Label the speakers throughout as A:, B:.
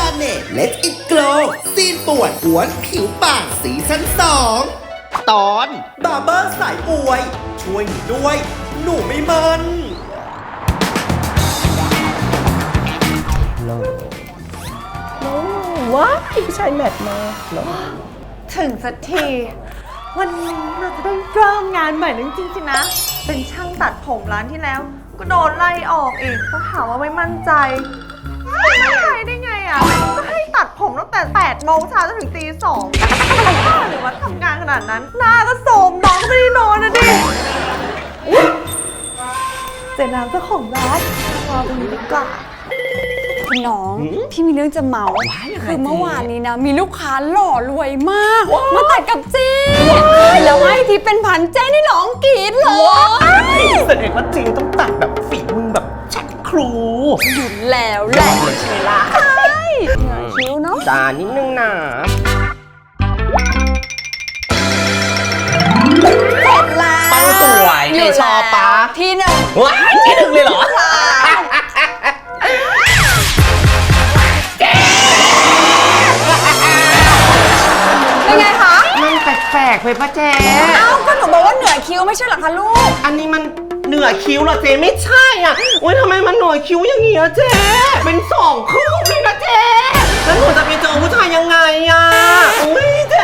A: Planet Let It Glow ซีนป่วนหวนผิวปากซีซั่น2 ตอนบาร์เบอร์สายอวย ช่วยหนูด้วย หนูไม่มัน
B: ว้ายผู้ชายแมทมา
C: ถึงสักที วันนี้เราจะได้เริ่มงานใหม่จริงๆนะ เป็นช่างตัดผมร้านที่แล้ว ก็โดนไล่ออกอีกเพราะหาว่าไม่มั่นใจไม่มั่นใจได้ไงอ่ะ ก็ให้ตัดผมตั้งแต่8 โมงเช้าจนถึงตี 2หรือว่าทำงานขนาดนั้น หน้าก็โทรมน้องก็ไม่ได้นอนนะดิเจน้ำเจ้าของร้านรอตรงนี้ดีกว่า
D: คุณน้องพี่มีเรื่องจะเมาคือเมื่อวานนี้นะมีลูกค้าหล่อรวยมากมาตัดกับเจ๊แล้วให้ที่เป็นพันเจ๊นี่ร้องกรี๊ดเลย
A: แสดงว่าจีต้องตัดแบบฝีมือแบบชัดครู
D: อยู่แล้วแหละใช่ละใช่เหนื่อยคิ้วเนาะ
A: จานนิดนึงนะ
D: เสร็จแล้ว
A: ปังสวยในชอปะ
D: ที่หนึ่ง
A: ว้ายที่หนึ่งเลยเหรอ
D: เป็นไงคะ
A: มันแปลกๆไปปะเจ๊
D: เอ้าก็หนูบอกว่าเหนื่อยคิ้วไม่ใช่เหรอคะลูก
A: อันนี้มันเหนือคิ้วเหรอเจ๊ไม่ใช่อ่ะโอ๊ยทำไมมันหน่วยคิ้วอย่างเงี้ยเจ๊เป็น2 คืบเลยนะเจ๊แล้วหนูจะไปเจอผู้ชายยังไงอ่ะอุ้ยเจ๊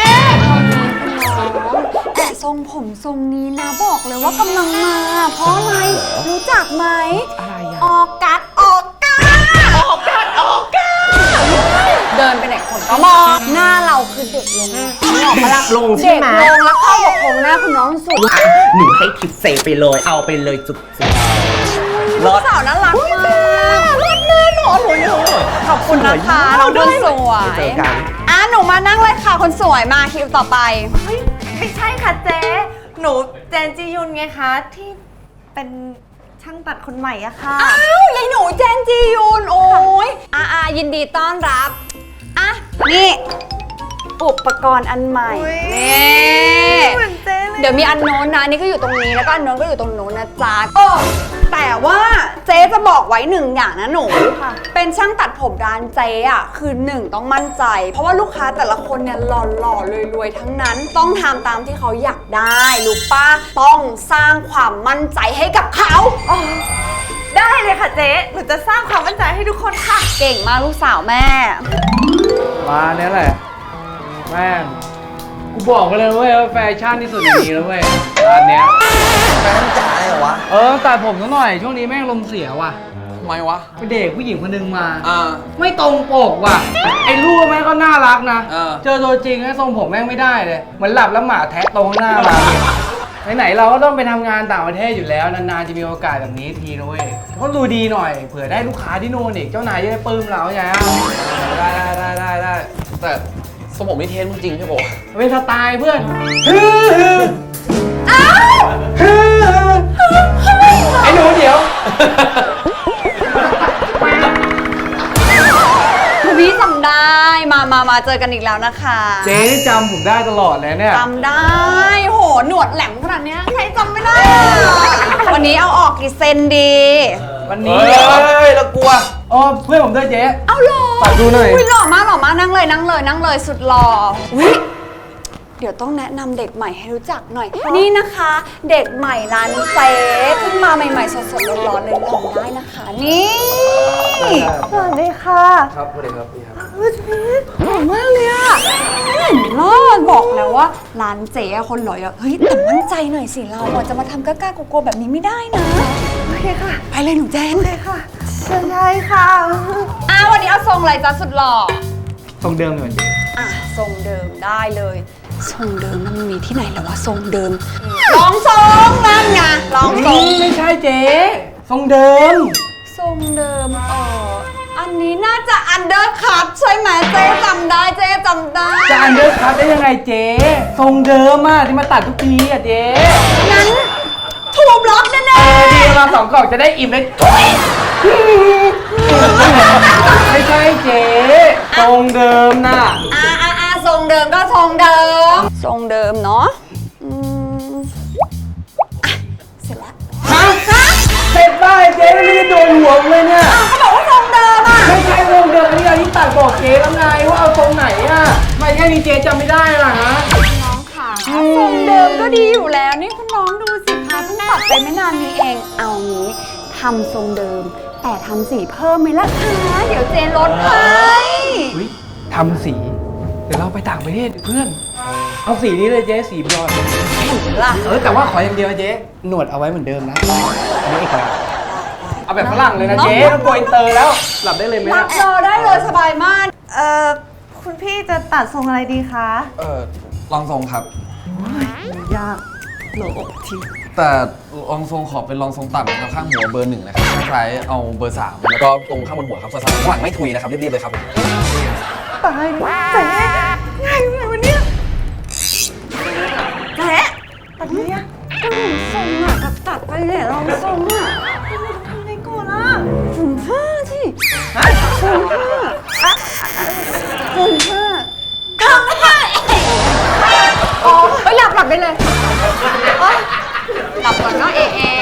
D: แต่ทรงผมทรงนี้นะบอกเลยว่ากำลังมา เพราะอะไรรู้จักไหม
A: อะไรอ่ะ
D: ออกกัดออกกัด
A: ออกกัน
D: เดินไปไหนคนก็มองหน้าเราคือเด็กลงออกมาละ
A: ลงใช่
D: เด็ก
A: ไหม
D: ลงแล้วเข้ากับโครงหน้าคุณน้องสุด
A: อ่ะหนูให้ทิปเซไปเลยเอาไปเลยจุกๆ
D: ลูกสาวน่ารักมาก
A: รถแน่นอนเลย
D: ขอบคุณนะคะน้องคนสวย
A: เจอกัน
D: หนูมานั่งเลยค่ะคนสวยมาคิวต่อไป
C: เฮ้ยไม่ใช่ค่ะเจ๊หนูเจนจียุนไงคะที่เป็นช่างตัดคนใหม่อะค่ะ
D: อ้าวยายหนูเจนจียุนโอ้ยยินดีต้อนรับนี่อุปกรณ์อันใหม่
C: อุ๊ย
D: นี่
C: เหมือนเจ๊เลย
D: เดี๋ยวมีอันโน้นนะนี่ก็อยู่ตรงนี้แล้วก็อันโน้นก็อยู่ตรงโน้นนะจ๊ะแต่ว่าเจ๊จะบอกไว้หนึ่งอย่างนะหนูเป็นช่างตัดผมร้านเจ๊อ่ะคือหนึ่งต้องมั่นใจ เพราะว่าลูกค้าแต่ละคนเนี่ยหล่อๆรวยๆทั้งนั้น ต้องทำตามที่เขาอยากได้ลูกป้าต้องสร้างความมั่นใจให้กับเขา
C: ได้เลยค่ะเจ๊หนูจะสร้างความมั่นใจให้ทุกคนค่ะ
D: เก่งมากลูกสาวแม่
E: ร้านนี้แหละแม่งกูบอกไปเลยเว้ยว่าแฟชั่นที่สุดในนี้แล้วเว้ยร้านเนี้ย
A: แฟนจ๋าเลยเหรอวะ
E: ตัดผมซะหน่อยช่วงนี้แม่งลมเสียว่ะ
F: ทำไมวะ
E: ไปเด็กผู้หญิงคนนึงมา
F: อ่า
E: ไม่ตรงปกว่ะไอ้รูปแม่งก็น่ารักนะ
F: เออ
E: เจอตัวจริงแล้วทรงผมแม่งไม่ได้เลยเหมือนหลับแล้วหมาแทะตรงหน้าเราไหนๆเราก็ต้องไปทำงานต่างประเทศอยู่แล้วนานๆจะมีโอกาสแบบนี้ทีนะเว้ยก็ดูดีหน่อยเผื่อได้ลูกค้าที่โน่นอีกเจ้านายจะได้ปลื้มเราไงได้
F: แต่สมองไม่เทสมึงจริงใช่ปะวะ
E: เป็นสไตล์เพื่อนไอ้หนูเดี๋ยว
D: คุณพี่จำได้มาเจอกันอีกแล้วนะคะ
E: เจ๊นี่จำผมได้ตลอดเลยเนี่ย
D: จำได้โหหนวดแหลมขนาดเนี้ยใครจำไม่ได้วันนี้เอาออกกี่เซนดี
E: วันนี้
F: ยแล้วกลัว
E: อ๋อเพื่อนผมด้วยเจ๊
D: เอาหล่อ
E: ฝากดูหน่อย
D: หล่อมากนั่งเลยสุดหล่ออุ๊ยเดี๋ยวต้องแนะนำเด็กใหม่ให้รู้จักหน่อย นี่นะคะ เด็กใหม่ร้านเจ๊เพิ่งมาใหม่ๆสดๆร้อนๆเลยลองได้นะคะนี่
C: สวัสดีค่ะ
F: ครับสวัสดีครับพี่ครับ
D: หล่อมากเลยอะเห็นรอดบอกแล้วว่าร้านเจ๊อะคนหล่อเยอะเฮ้ยแต่มั่นใจหน่อยสิเราอะจะมาทำกล้าๆกลัวๆแบบนี้ไม่ได้นะ
C: โอเคค่ะ
D: ไปเลยหนูแจน
C: โอเคค่ะเชิญได้ค่ะ
D: วันนี้เอาทรงอะไรจ๊ะสุดหล่อ
E: ทรงเดิมเหมือนเจ๊
D: ทรงเดิมได้เลยทรงเดิมนั่นมันมีที่ไหนแล้ววะทรงเดิมลองทรงนั่นไงลองทรง
E: ไม่ใช่เจ๊ทรงเดิม
D: ทรงเดิมอันนี้น่าจะอันเดอร์คัทใช่ไหมเจ๊จำได้
E: จะอันเดอร์คัทได้ยังไงเจ๊ทรงเดิมอะที่มาตัดทุกทีอะเจ๊
D: งั้นทูบล็อกแน่
E: ดีมา2 กล่องจะได้อิ่มเลยไม่ใช่เจ๊ทรงเดิมน่ะ
D: ทรงเดิมก็ทรงเดิมทรงเดิมเนาะเสร็จแล้ว
E: ฮะเสร็จได้เจ๊ไม่ได้โดนหัวเลยเนี่ย
D: เขาบอกว่าทรงเดิมอะ
E: ไม่ใช่ทรงเดิมอันนี้ที่ตัดบอกเจ๊แล้วไงว่าเอาตรงไหนอ่ะทำไม่แค่นี้เจ๊จำไม่ได้ล่ะฮะ
D: น้องค่ะทรงเดิมก็ดีอยู่แล้วนี่คุณน้องดูสิคะเพิ่งตัดไปไม่นานนี้เองเอางี้ทำทรงเดิมแต่ทำสีเพิ่มไหมล่ะคะเดี๋ยวเจลดให้
E: อุ๊ยทำสี เดี๋ยวเราไปต่างประเทศเพื่อน เอาสีนี้เลยเจ๊สีบลอนด์
D: ล่ะ
E: แต่ว่าขออย่างเดียวนะเจ๊หนวดเอาไว้เหมือนเดิมนะอันนี้เอกลักษณ์เอาแบบฝรั่งเลยนะเจ๊ต้องโกอินเตอร์แล้วหลับได้เลยไหม
D: รั
E: นะ
D: บรอได้เลยสบายมาก
C: คุณพี่จะตัดทรงอะไรดีคะ
F: ลองทรงครับ
C: ยากโหลอกที
F: แต่ลองทรงขอเป็นลองทรงต่ำนะครับข้างหัวเบอร์ 1นะครับคล้ายๆเอาเบอร์ 3 แล้วก็ตรงข้างบนหัวครับเบอร์ 3ข้างหลังไม่ทุยนะครับรีบๆเลยครับผม
C: ตายเจ๊ง่ายเลยวะเนี่ยแจ๊ตัดเลยอะ
D: ก็หนูทรงอ่ะกับตัดไปเนี่ยลองทรงอ่ะ
C: ทำไงก่อนอะ
D: ถึงห้าที่ถึงห้าถึงห้าทำห้าโอ้ยหลับได้เลยหลับก่อนเนาะเอ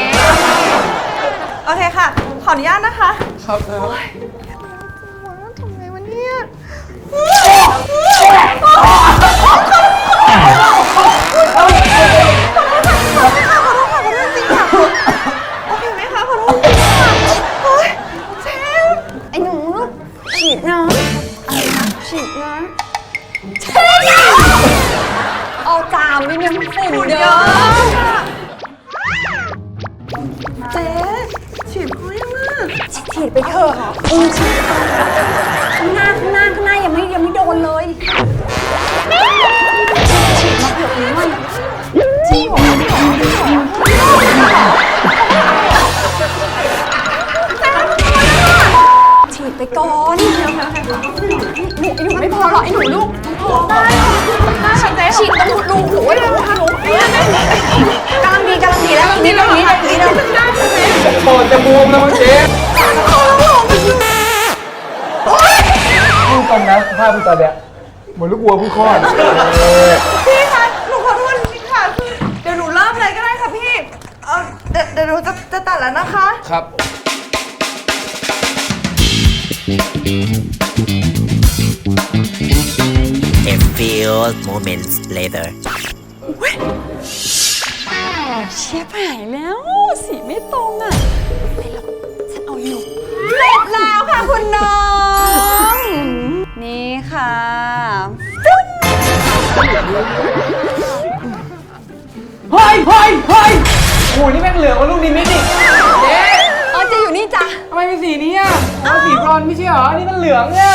C: โอเคค่ะ ขออนุญาตนะคะ
F: ครับ
C: ทำไงวะเนี่ยขอโทษค่ะขอโทษจริงค่ะโอเคไหมคะขอโทษจริงค่ะโอ๊ยเจ๊
D: ไอ้หนูฉีดน้ำฉีดน้ำเอาจามนิดนึงฝุ่นเยอะ
C: เจ๊ฉีดเขายังอ่ะ
D: ฉีดไปเถอะฉีดข้างหน้ายังไม่โดนเลยฉีดมาเผื่ออีกหน่อยจริงเหรอฉีดไปก่อนหนูไม่พอหรอกไอ้หนูลูกพอได้ฉีดตรงรูหูเลยนะคะหนูกำลังดีแล้วนี่แล้ว
E: ปอดจะบวมแล้วมั้งเจ๊พูดตรงนะภาพพี่ตอนเนี้ยเหมือนลูกวัวผู้คลอด
C: พี่คะหนูขอโทษจริงๆค่ะคือเดี๋ยวหนูเริ่มเลยก็ได้ค่ะพี่เดี๋ยวหนูจะตัดแล้วนะคะ
F: ครับ
G: A few moments later.
D: เชฟหายแล้วสีไม่ตรงอ่ะไม่หรอกฉันเอาอยู่เสร็จแล้วค่ะคุณน้อง นี่ค่ะ
E: เฮ้ยโอ้ยนี่แม่งเหลืองกว่าลูกนิมิตอีกเจ๊
D: อ๋อจะอยู่นี่จ้ะ
E: ทำไมเป็นสีนี้อ่ะอ๋อสีบรอนซ์ไม่ใช่เหรอ นี่มันเหลืองเนี่ย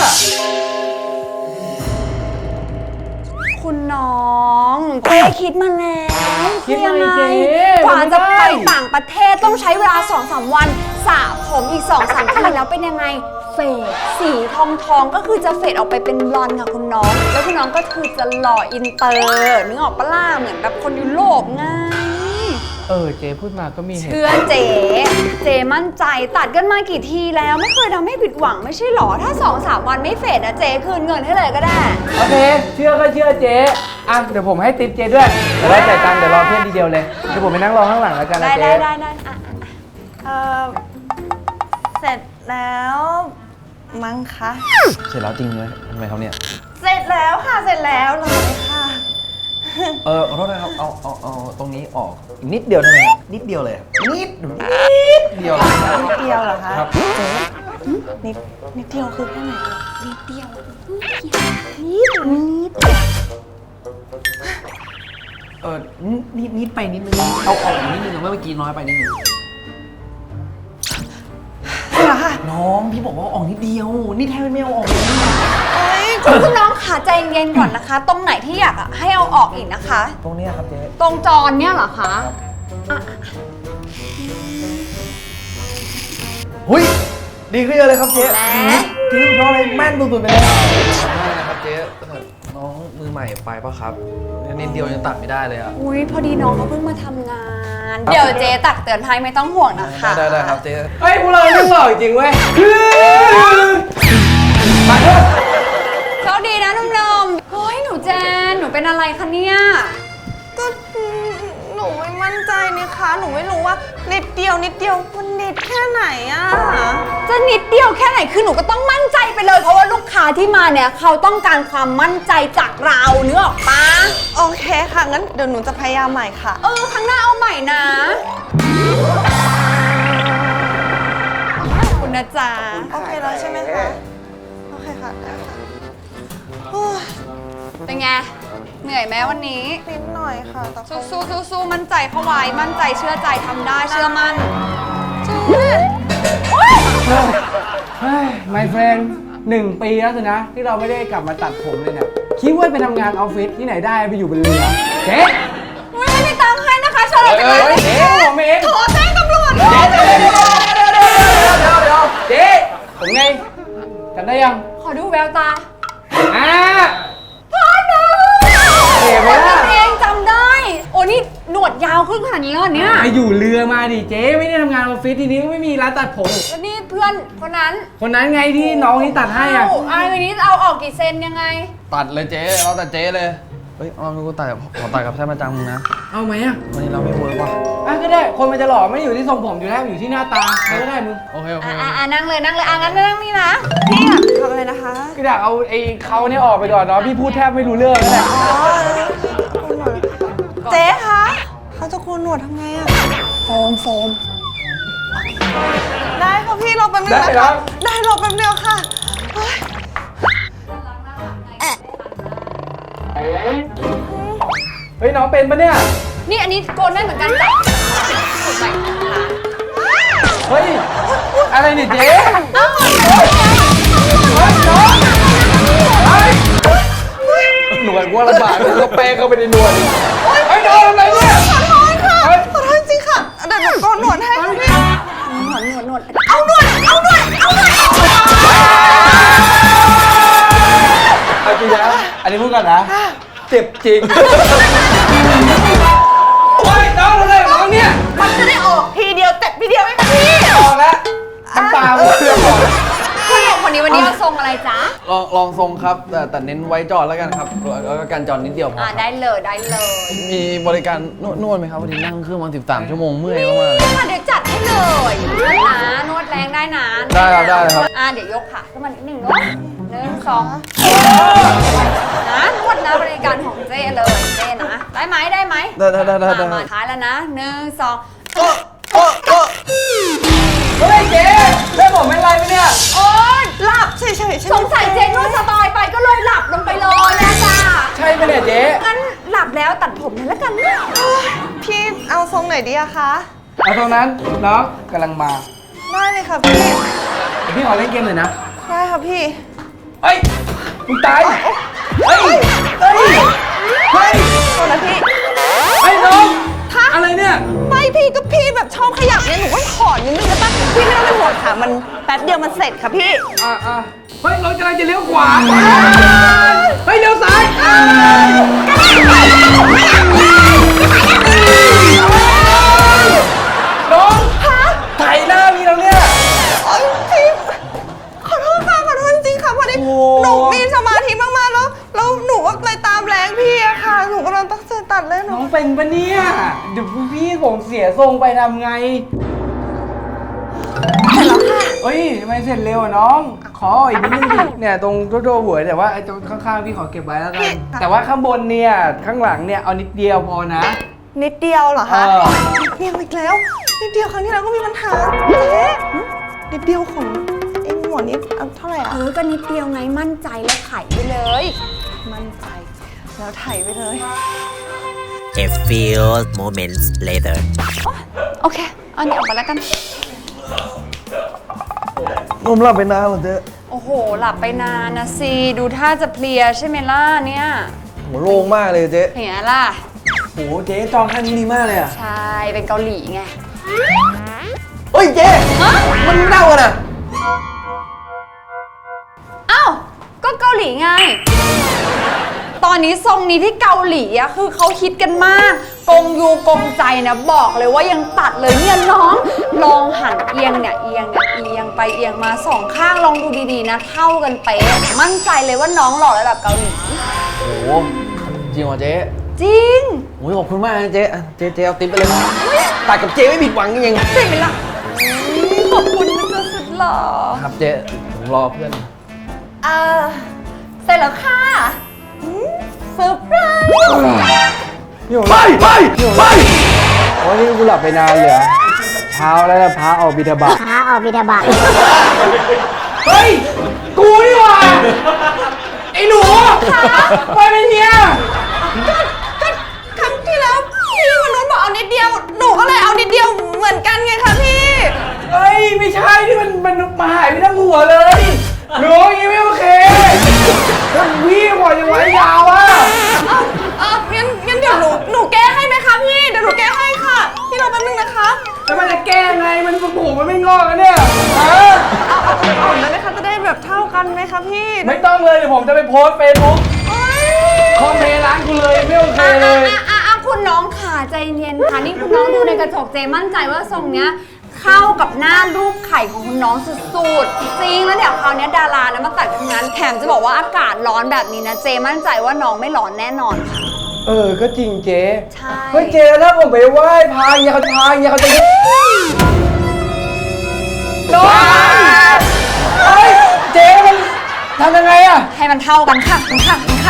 D: คุณน้องเจ๊คิดมาแล้ว
E: คิดอะไรเจ๊
D: กว่าจะไป
E: มันไม่ได้
D: ต่างประเทศต้องใช้เวลา 2-3 วันสระผมอีก 2-3 ทีแล้วเป็นยังไง เฟดสีทองก็คือจะเฟดออกไปเป็นบลอนด์ค่ะคุณน้อง แล้วคุณน้องก็คือจะหล่ออินเตอร์นึกออกปะล่ะเหมือนแบบคนยุโรปไง
E: เจ๊พูดมาก็มีเหตุ
D: เชื่อเจมั่นใจตัดกันมากี่ทีแล้วไม่เคยทำให้ผิดหวังไม่ใช่หรอ ถ้า 2-3 วันไม่เฟดนะเจคืนเงินให้เลยก็ได้
E: โอเค เชื่อก็เชื่อเจ๊อ่ะเดี๋ยวผมให้ติ๊บเจ๊ด้วยเดี๋ยวได้จ่ายตังค์เดี๋ยวรอเพื่อนทีเดียวเลย เดี๋ยวผมไปนั่งรอข้างหลังแล้วกันนะเจ๊
D: ได้อ่ะ
C: เสร็จแล้วมั้งคะ
F: เสร็จแล้วจริงเลยทำไมครับเนี่ย
C: เสร็จแล้วค่ะเสร็จแล้วเลยค่ะ
F: ขอโทษนะครับ เอาตรงนี้ออกอีกนิดเดียวได้ไหมครับนิดเดียวเลยครับนิดเดียว
C: นิดเดียวเหรอคะ
F: ครับ
C: เจ๊นิดเดียวคือแค่ไหนคะ
D: นิดเดียว
F: นิดไปนิดนึงเอาออกอีกนิดนึงเมื่อกี้น้อยไปนิดนึง
C: เหรอคะ
F: น้องพี่บอกว่าออกนิดเดียว นี่แทบไม่เอาออกเลย
D: คุณน้องขาใจเย็นก่อนนะคะ ตรงไหนที่อยากให้เอาออกอีกนะคะ
F: ตรงเนี้ยครับเจ๊
D: ตรงจรเนี่ยเหรอคะ
F: หุ้ยดีขึ้นเยอะเลยครับเจ๊
D: แหม
F: จริงเพราะอะไรแม่นสุดๆไปเลยไม่นะครับเจ๊น้องมือใหม่ไปปะครับนิดเดียวยังตัดไม่ได้เลยอ่ะ
D: อุ้ยพอดีน้องเขาเพิ่งมาทำงาน เดี๋ยวเจ๊ตักเตือนให้ไม่ต้องห่วงนะคะ
F: ได้ครับเจ๊
E: เฮ้ยพวกเราเรื่องหล่อจริงเว้ยมาเถอะ
D: โชคดีนะนุ่มๆเฮ้ยหนูแจน หนูเป็นอะไรคะเนี่ย
C: ก็หนูไม่มั่นใจนี่คะหนูไม่รู้ว่านิดเดียวมันนิดแค่ไหนอะ
D: จะนิดเดียวแค่ไหนคือหนูก็ต้องมั่นใจไปเลยเพราะว่าลูกค้าที่มาเนี่ยเขาต้องการความมั่นใจจากเราเนื้อออกปะ
C: โอเคค่ะงั้นเดี๋ยวหนูจะพยายามใหม่ค่ะ
D: ครั้งหน้าเอาใหม่นะขอบคุณนะจ๊ะ
C: โอเคแล้วใช่ไหมคะโอเคค่ะได้ค่ะโอ้ย
D: เป็นไงเหนื่อยไหมวันนี้
C: นิดหน่อยค่ะแต่คง
D: สู้มั่นใจเข้าไว้มั่นใจเชื่อใจทำได้เชื่อมั่น
E: เฮ้ย my friend 1 ปีแล้วสินะ ที่เราไม่ได้กลับมาตัดผมเลยเนี่ยคิดว่าไปทำงานออฟฟิศที่ไหนได้ไปอยู่บนเรือเจ๊
D: ไม่มีตังค์ให้นะคะชอบจังเลย
E: เจ๊ผมเอง
D: โทรแจ้งตำรวจ
E: เจ๊เจ๊ผมไงจำได้ยัง
D: ขอดูแววตา
E: พ่อหนูเห็นไหมล่ะ
D: เองจำได้ โอ้นี่หนวดยาวขึ้นขนาดนี้แล้วเหรอเนี่ย
E: ไปอยู่เรือมาดิเจ๊ไม่ได้ทำงานออฟฟิศทีนี้ไม่มีร้านตัดผม
D: แล้วนี่เพื่อนคนนั้น
E: คนนั้นไงที่น้องที่ตัดให้อ่ะ
D: วันนี้เอาออกกี่เซนยังไง
F: ตัดเลยเจ๊เราตัดเจ๊เลย เฮ้ยเอากูตัดขอตัดกับแท่นประจำมึงนะ
E: เอาไหมอ่ะ
F: วันนี้เราไม่เวิร์กว่ะ
E: ก็ได้คนมันจะหล่อไม่อยู่ที่ทรงผมอยู่แล้วอยู่ที่หน้าตาใครก็ได้มึง
F: โอเคโอเค
D: นั่งเลยงั้นนั่งนี่นะ
C: พี่อะทำอะไรนะคะ
E: ก็อยากเอาไอ้เขาเนี่ยออกไปก่อนเนาะพี่พูดแทบไม่รู้เรื่องเลย
C: อ๋อคุณหนวดเจ๊คะเขาจะโกนหนวดทำไงอะ
D: โฟม
C: ได้ค่ะพี่รอแป๊บนึง
E: ได้
C: นะ
E: ครั
C: คะ
E: บ
C: ได้รอแป๊บเดียวค่ะเฮ้ย
E: เฮ้ยน้องเป็นปะเนี่ย
D: นี่อันนี้โกนได้เหมือนกันจ้ะสุดใหม่ของร้าน
E: เฮ้ยอะไรเนี่ยเจ๊
D: อ้าว
F: หน่วยว่าลำบากก็แป้งเข้าไปในหน่วย
E: เฮ้ยน้องอะไรเนี่ย
C: ขอโทษค่ะขอโทษจริงค่ะเดี๋ยวหนูโกนหนวดให้ค่ะพี่
D: หนวด
C: เอาหนวด
E: เอาจริงนะอันนี้พูดก่อนนะเจ็บจริงโอ้ยน้องอะไรของน้องเนี่ย
C: มันจะได้ออกทีเดียวเต็มทีเดียวไหมคะพี่
E: ออกแล้วน้ำตาหมดเลยก่อน
D: ผู้หญิงคนนี้วันนี้เอาทรงอะไรจ๊ะ
F: ลองทรงครับ แต่เน้นไว้จอดแล้วกันครับแล้วก็การจอดนิดเดียวพอครับ
D: ได้เลย
F: มีบริการนวดไหมครับวันนี้นั่งเครื่องมา13 ชั่วโมงเมื่อยมากๆเลย
D: ค่ะเดี๋ยวจัดให้เลยนวดแรงได้นะ
F: ได้ครับได้ครับ
D: เดี๋ยวยกขาขึ้นมานิดหนึ่งเนาะ1 2นวดนะบริการของเจ้เลยเจ้นะได้ไหม
F: ได้
D: มาท้ายแล้วนะ1 2
E: เฮ้ยเจ๊ได้ผมเป็นไรไหมเนี่ย
D: โอ๊ย
C: หลับเฉยๆใช่ไหม
D: สงสัยเจ๊นวดสบายไปก็เลยหลับลงไปเลยนะจ้า
E: ใช่ไหมเนี่ยเจ๊
D: งั้นหลับแล้วตัดผมเลยแล้วกันนะ
C: พี่เอาทรงไหนดีอะคะ
E: เอาตรงนั้นน้องกำลังมา
C: ได้เลยค่ะพี่
E: เดี๋ยวพี่ขอเล่นเกมหน่อยนะ
C: ได้ค่ะพี่
E: เฮ้ยมึงตายเฮ้ยเฮ้ยเฮ้ย
C: โทษนะพี่
E: ไอ้น้องอะไรเนี่ย
C: ไม่พี่ก็พี่แบบชอบขยับเนี่ยหนูก็ถอนนิดนึงนะปะพี่ไม่ต้องเป็นห่วงค่ะมันแป๊บเดียวมันเสร็จค่ะพี่
E: เฮ้ยรถกำลังจะเลี้ยวขวาเฮ้ยเลี้ยวซ้ายน้องไถหน้าพี่แล้วเนี่ย
C: โอ๊ยพี่ขอโทษค่ะขอโทษจริงๆค่ะพอดี
E: โอ้โห
C: หนูมีสมาธิมากๆแล้วหนูก็เลยตามแรงพี่อะค่ะ หนูกำลังตั้งใจตัดเลยหนู
E: น้องเป็นปะเนี่ยเดี๋ยวพี่ผมเสียทรงไปทำไงเสร็จแล้วค่ะเฮ้ยทำไมเสร็จเร็วอะน้อง ขออีกนิดนึงดิเนี่ยตรงตัวหัวแต่ว่าไอ้ตรงข้างๆพี่ขอเก็บไว้แล้วกัน แต่ว่าข้างบนเนี่ยข้างหลังเนี่ยเอานิดเดียวพอนะ
C: นิดเดียวเหรอคะ
E: เออ
C: นิดเดียวอีกแล้วนิดเดียวครั้งที่แล้วก็มีปัญหาเจ๊นิดเดียวของไอ้หมวดนี้เอาเท่าไหร่อะ
D: ก็นิดเดียวไงมั่นใจแล้วไถไปเลย
C: มั่นใจแล้วไถไปเลย
G: A few moments later.
D: โอเคเอาเนี่ยออกมาแล้วกัน
F: นมหลับไปนานเหรอเจ๊
D: โอ้โห หลับไปนานนะสิ ดูท่าจะเพลียใช่ไหมล่ะเนี่ย
F: หัวโล่งมากเลยเจ๊
D: เห็นไหมล่ะ
E: โหเจ๊จองคันนี้ดีมากเลยอะ
D: ใช่ เป็นเกาหลีไง
F: เฮ้ยเจ๊มันเน่ากันอ่ะ
D: อ้าว ก็เกาหลีไง ตอนนี้ทรงนี้ที่เกาหลีอะคือเขาฮิตกันมาก กงยูกงใจนะบอกเลยว่ายังตัดเลยเนี่ยน้อง ลองหันเอียงเนี่ยเอียงไปเอียงมาสองข้างลองดูดีๆนะ เท่ากันเป๊ะมั่นใจเลยว่าน้องหล่อระดับเกาหลี
F: โอ้โหจริงเหรอเจ๊
D: จริง
F: โอ้ยขอบคุณมากนะเจ๊เจ๊เอาติ๊บไปเลยตัดกับเจ๊ไม่ผิดหวังจริง
D: ใช่ไหมล่ะขอบคุณนะจ๊ะสุดหล่อ
F: ๆครับเจ๊ผมรอเพื่อน
D: เสร็จแล้วค่ะเซอร์ไพรส์
E: ไปโอ้ยนี่กูหลับไปนานเลยเหรอเช้าแล้วนะพระออกบิณฑบาต
B: พาออกบิดาบาต
E: เฮ้ย กูนี่หว่า ไอ้หนูไปเป็นเนี้ย
C: ครั้งที่แล้วพี่มนุษย์บอกเอานิดเดียว หนูก็เลยเอานิดเดียวเหมือนกันไงคะพี่
E: เฮ้ย ไม่ใช่ที่มันมาหายไปทั้งหัวเลย หนูอย่างงี้ไม่โอเคถ้าพี่บอกจะไว้ยาวอ่ะ
C: งั้นเดี๋ยวหนูแก้ให้ไหมคะพี่ เดี๋ยวหนูแก้ให้ค่ะ พี่รอแป๊บนึงนะคะ
E: แล้วมันจะแก้ไง มันผูกมันไม่งอกกันเนี่ยฮะ
C: อ่อนๆได้ไหมคะ จะได้แบบเท่ากันไหมคะพี่
E: ไม่ต้องเลยเดี๋ยวผมจะไปโพสเฟซบุ๊กคอมเมนต์ร้านกูเลยไม่โอเคเลย
D: คุณน้องค่ะใจเย็นค่ะนี่คุณน้องดูในกระจกเจมั่นใจว่าทรงเนี้ยเข้ากับหน้ารูปไข่ของคุณน้องสุดๆจริงแล้วเดี๋ยวคราวนี้ดารานะมาตัดทั้งนั้นแถมจะบอกว่าอากาศร้อนแบบนี้นะเจมั่นใจว่าน้องไม่ร้อนแน่นอนค่ะ
E: ก็จริงเจ๊
D: ใช่
E: เฮ้ยเจ๊ถ้าผมไปไหว้พระเขาจะโดนเฮ้ยเจ๊มันทำยังไงอะ
D: ให้มันเท่ากันค่ะค่ะ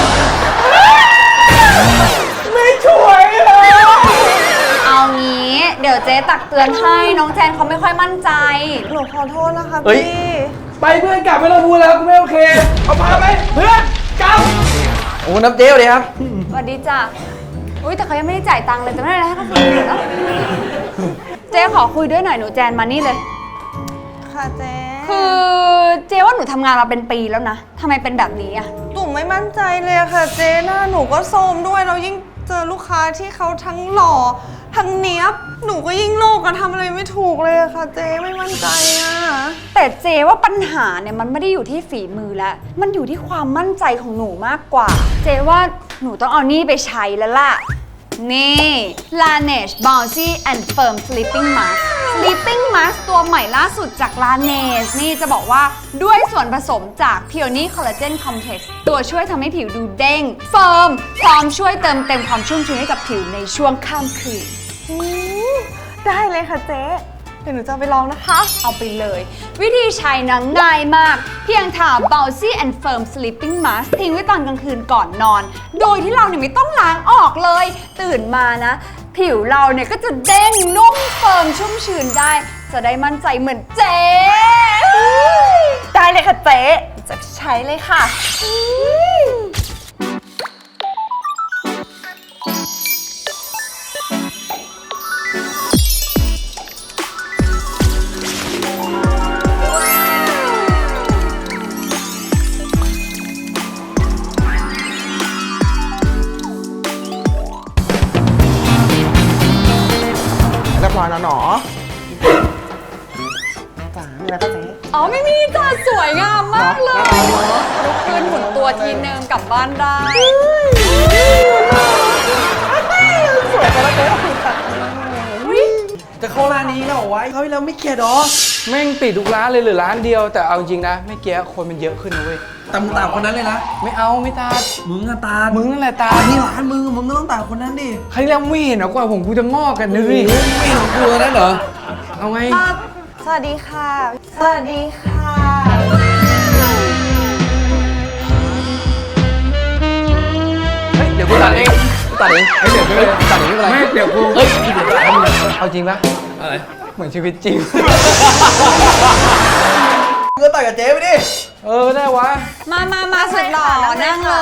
E: ไม่ช่วยเลย
D: เอางี้เดี๋ยวเจ๊ตักเตือนให้น้องแจนเขาไม่ค่อยมั่นใจ
C: หนูขอโทษนะคะ
F: เฮ้ย
C: พี่
E: ไปเพื่อนกลับไม่ต้องพูดแล้วกูไม่โอเค เอาพาไปเพื่อนกลับ
F: โอ้น้ำเจ๊สวัสดีครับ
D: สวัสดีจ้ะอุ้ยแต่เขายังไม่ได้จ่ายตังค์เลยจะไม่ได้อะไรให้เขาฟรีเลยนะเจ๊ขอคุยด้วยหน่อยหนูแจนมานี่เลย
C: ค่ะเจ๊
D: คือเจ๊ว่าหนูทำงานมาเป็นปีแล้วนะทำไมเป็นแบบนี้อะ
C: หนูไม่มั่นใจเลยอะค่ะเจ๊หน้าหนูก็โทรมด้วยแล้วยิ่งเจอลูกค้าที่เขาทั้งหล่อทั้งเนี้ยบหนูก็ยิ่งโลกอะทำอะไรไม่ถูกเลยอะค่ะเจ๊ไม่มั่นใจอะ
D: แต่เจ๊ว่าปัญหาเนี่ยมันไม่ได้อยู่ที่ฝีมือแล้วมันอยู่ที่ความมั่นใจของหนูมากกว่า เจ๊ว่าหนูต้องเอานี่ไปใช้แล้วล่ะนี่ Laneige Bouncy and Firm Sleeping Mask Sleeping Mask ตัวใหม่ล่าสุดจาก Laneige นี่จะบอกว่าด้วยส่วนผสมจาก Peony Collagen Complex ตัวช่วยทำให้ผิวดูเด้งเฟิร์มพร้อมช่วยเติมเต็มความชุ่มชื้นให้กับผิวในช่วงข้ามคืน
C: ได้เลยค่ะเจ๊เดี๋ยวหนูจะเอาไปลองนะคะ
D: เอาไปเลย วิธีใช้นะง่ายมาก เพียงทา Bouncy and Firm Sleeping Mask ทิ้งไว้ตอนกลางคืนก่อนนอน โดยที่เราเนี่ยไม่ต้องล้างออกเลย ตื่นมานะ ผิวเราเนี่ยก็จะเด้งนุ่มเฟิร์มชุ่มชื้นได้ จะได้มั่นใจเหมือนเจ๊
C: ได้เลยค่ะเจ๊จะใช้เลยค่ะ
A: เรียบร้อยแล้วเนาะจ้ามีอะไรก็เจ๊
D: อ๋อไม่มีจ้าสวยงามมากเลยลุกขึ้นหมุนตัวทีนึงกลับบ้านได้
C: สวยไปแล้วเจ๊ขอบคุณค่ะ
F: จะเข้าร้านนี้แล้วเหรอวะเขาที่เราไม่เกลียดหรอ
E: แม่งปิดทุกร้านเลยเหลือร้านเดียว แต่เอาจริงนะไม่เกี้คนมันเยอะขึ้นนะเว้ย
F: แต่มึงตามคนนั้นเลยนะ
E: ไม่เอาไม่ตาด
F: มึงอะตา
E: มึงนั่นแหละตา
F: นี่ร้านมึงก็ต้องตามคนนั้นดิ
E: ใครแล้วไม่เห็นเหรอกว่าผมกูจะงอกกันนะดิ
F: ไม่เห็นกลัวนั่นเหรอ
E: เอาไง
C: สวัสดีค่ะ สวัสดีค่ะ
E: เดี๋ยวกูตัดเอง
F: ตัดเองเดี๋ยวตัดเองไม่เป็นไร
E: ไม่เดี๋ยวกู
F: เฮ้ยเดี๋ยวตัดเอง
E: เอาจริงปะ
F: อะไร
E: เหมือนชีวิตจริง
F: มึงก็ตัดกับเจ๊ไปดิ
E: ได้วะ
D: มาสุดหล่อนั่งเลย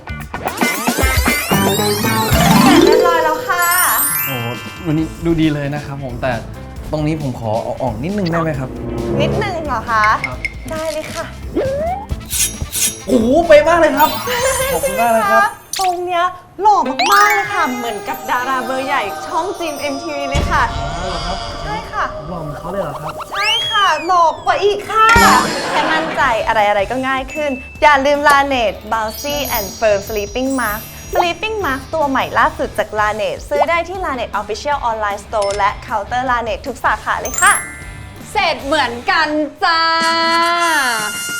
C: เรียบร้อยแล้วค่ะ
F: โอ้วันนี้ดูดีเลยนะครับผมแต่ตรงนี้ผมขอเอาออกนิดนึงได้ไหมครับ
C: นิดนึงเหรอคะ ได้เลยค่ะ
F: โอ้โหเป๊ะมากเลยครับ ขอบคุณมากเลยครับ
C: ตรงเนี้ยหล่อมากๆเลยค่ะ เหมือนกับดาราเบอร์ใหญ่ช่องจีม MTV เลยค่ะ ใช่ค่ะ
F: หล่อเหมือนเขาเลยเหรอครับ
C: ใช่ค่ะหลอกกว่าอีกค่ะ แค่มั่นใจอะไรๆก็ง่ายขึ้น อย่าลืม Laneige Bouncy and Firm Sleeping Mask Sleeping Mask ตัวใหม่ล่าสุดจาก Laneige ซื้อได้ที่ Laneige Official Online Store และ Counter Laneige ทุกสาขาเลยค่ะ
D: เสร็จเหมือนกันจ้า